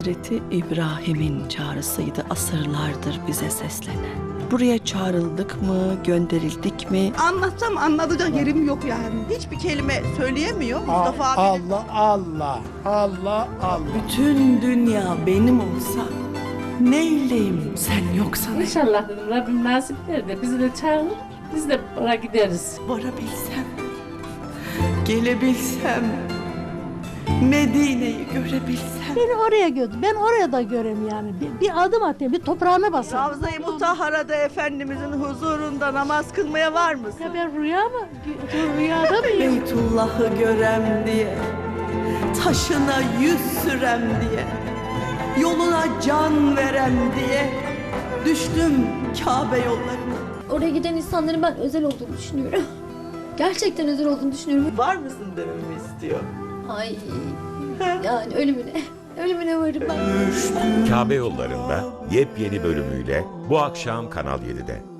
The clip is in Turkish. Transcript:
Hazreti İbrahim'in çağrısıydı asırlardır bize seslenen. Buraya çağrıldık mı, gönderildik mi? Anlatsam anlatacak yerim yok yani. Hiçbir kelime söyleyemiyor Mustafa abi. Allah Allah Allah Allah. Bütün dünya benim olsa neyleyim sen yoksan? İnşallah dedim Rabbim nasip eder de bizi de çağırır, biz de oraya gideriz. Varabilsem, gelebilsem, Medine'yi görebilsem. Beni oraya götür. Ben oraya da göreyim yani. Bir adım atayım, bir toprağına basayım. Ravza-i Mutahhara'da Efendimizin huzurunda namaz kılmaya var mısın? Ya ben rüya mı? Rüyada mıyım? Beytullah'ı görem diye, taşına yüz sürem diye, yoluna can verem diye düştüm Kabe yollarına. Oraya giden insanların ben özel olduğunu düşünüyorum. Gerçekten özel olduğunu düşünüyorum. Var mısın dememi istiyor. Ay yani ölümüne varım ben. Kabe Yollarında yepyeni bölümüyle bu akşam Kanal 7'de.